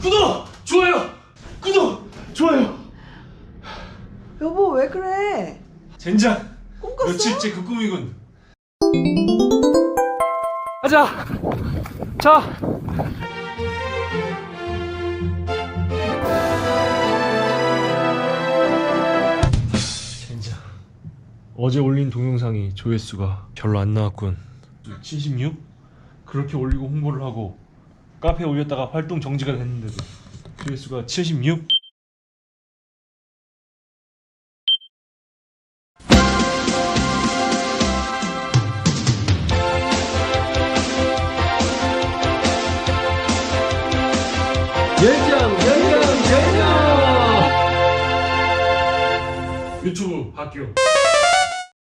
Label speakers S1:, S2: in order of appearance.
S1: 구독! 좋아요! 구독! 좋아요!
S2: 여보 왜 그래?
S1: 젠장!
S2: 꿈 꿨어?
S1: 며칠째 그 꿈이군. 가자! 자! 젠장. 어제 올린 동영상이 조회수가 별로 안 나왔군. 76? 그렇게 올리고 홍보를 하고 카페에 올렸다가 활동 정지가 됐는데도 조회수가 76? 열정! 유튜브 학교